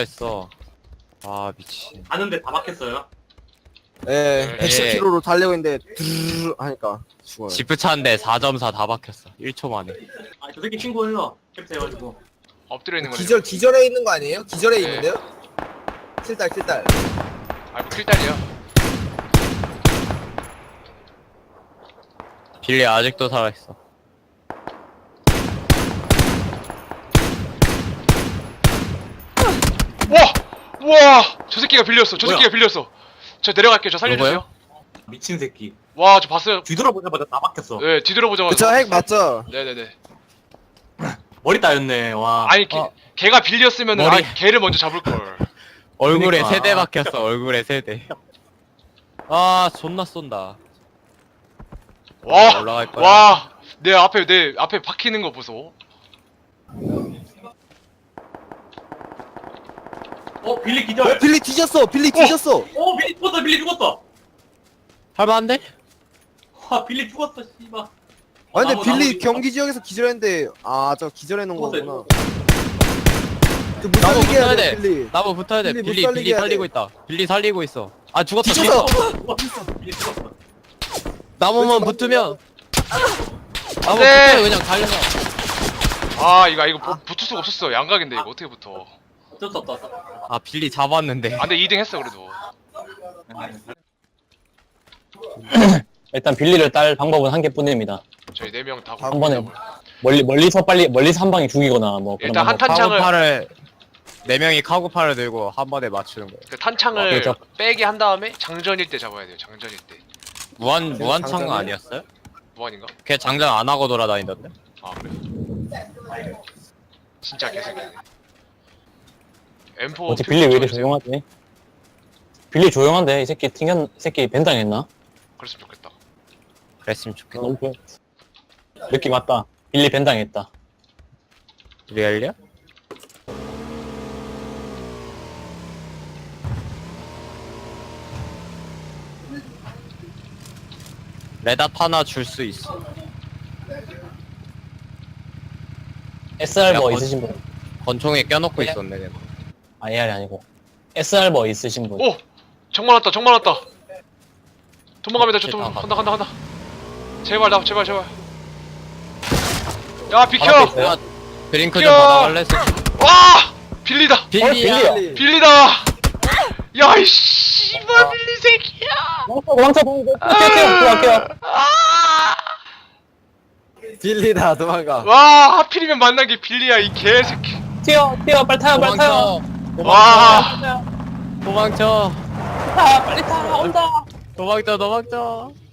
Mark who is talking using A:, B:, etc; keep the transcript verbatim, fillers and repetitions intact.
A: 했어. 아 미친.
B: 가는데 다 막혔어요.
C: 예,
A: 예.
C: 백십 킬로미터로 달리고 있는데 드르르 하니까 죽어요.
A: 지프 차인데 사 점 사 다 박혔어. 일 초 만에.
B: 아, 저 새끼 친구예요. 캡트 해가지고.
D: 엎드려 있는 거죠.
C: 기절 기절해 있는 거 아니에요? 기절해
D: 네.
C: 있는데요? 킬달 킬달.
D: 아이고 킬달이야.
A: 빌리 아직도 살아있어.
D: 와! 와! 저 새끼가 빌렸어. 저
A: 뭐야?
D: 새끼가 빌렸어. 저 내려갈게요. 저 살려주세요.
A: 누구요?
B: 미친 새끼.
D: 와, 저 봤어요.
B: 뒤돌아보자마자 다 막혔어.
D: 네, 뒤돌아보자마자.
C: 그쵸 핵 맞죠?
D: 네네네.
B: 머리 따였네. 와.
D: 아니, 걔,
A: 어.
D: 걔가 빌렸으면은
A: 머리.
D: 아, 걔를 먼저 잡을 걸.
A: 얼굴에
B: 그러니까.
A: 세대 박혔어. 얼굴에 세대. 아 존나 쏜다.
D: 와!
A: 올라갈 거야.
D: 와! 내 앞에 내 앞에 박히는 거 보소.
B: 어, 빌리
C: 어
B: 기절.
C: 빌리 뒤졌어. 빌리 뒤졌어.
B: 어, 빌리 죽었다. 빌리 죽었다.
A: 할만한데?
B: 와, 빌리 죽었어. 씨발.
C: 아 근데
B: 나무,
C: 빌리
B: 나무
C: 경기 지역에서 기절했는데 아 저 기절해 놓은
B: 죽었어요,
C: 거구나. 그못
A: 나무
C: 살리게 해야
A: 붙어야
C: 돼
A: 돼.
C: 빌리.
A: 나무 붙어야 돼.
C: 빌리 못
A: 빌리
C: 살리게
A: 빌리
C: 해야
A: 살리고
C: 돼.
A: 있다. 빌리 살리고 있어. 아 죽었다.
C: 뒤졌어.
A: 죽었어.
B: 빌리 죽었어.
A: 나무만
C: 왼쪽
A: 붙으면. 나무
D: 네.
A: 붙으면 그냥 달려서.
D: 아, 이거 이거 부- 붙을 수가 없었어. 양각인데 이거 어떻게 붙어?
B: 어쩔 수 없다. 어쩔 수 없다.
A: 아 빌리 잡았는데.
D: 아, 근데 이 등 했어 그래도.
E: 일단 빌리를 딸 방법은 한 개뿐입니다.
D: 저희 네 명 다.
C: 한
E: 한 번에 멀리 멀리서 빨리 멀리서 한 방에 죽이거나 뭐 그런
D: 일단 한
E: 방법.
D: 탄창을
A: 카고팔을 네 명이 카고팔을 들고 한 번에 맞추는 거예요.
D: 그 탄창을
E: 그렇죠.
D: 빼게 한 다음에 장전일 때 잡아야 돼요. 장전일 때.
A: 무한 무한창
C: 장전이요?
A: 아니었어요?
D: 무한인가?
A: 걔 장전 안 하고 돌아다니던데.
D: 아, 그래. 진짜 개새끼네. 엠 사
E: 어째 빌리 왜 이렇게 조용하지? 빌리 조용한데 이 새끼 튕겼 이 새끼 벤당했나?
D: 그랬으면 좋겠다.
A: 그랬으면 좋겠다.
E: 너무 조용. 느낌 왔다. 빌리 벤당했다.
A: 리얼리야? 레닷 하나 줄 수 있어.
E: 에스알
A: 야,
E: 버
A: 건-
E: 있으신 분?
A: 권총에 껴놓고 있었네. 내가.
E: 아 에알이 아니고 에스알 버 있으신 분?
D: 오! 정말 왔다. 정말 왔다. 도망갑니다. 저 도망.
A: 아,
D: 간다 간다 간다. 제발 나 제발 제발. 야 비켜!
E: 바로 앞에 있어요?
A: 야, 드링크 좀
D: 야!
A: 받아갈래?
D: 와! 빌리다.
A: 빌리야.
E: 빌리야.
D: 빌리다. 야 이 씨발 빌리 새끼야.
E: 도망쳐 도망쳐 도망쳐 도망쳐
D: 아!
C: 빌리다 도망가.
D: 와 하필이면 만난 게 빌리야 이 개새끼.
E: 튀어 튀어 빨리 타요 빨리 타요
A: 도망쳐.
D: 와.
A: 도망쳐.
E: 타 빨리 타 온다
A: 도망쳐. 도망쳐.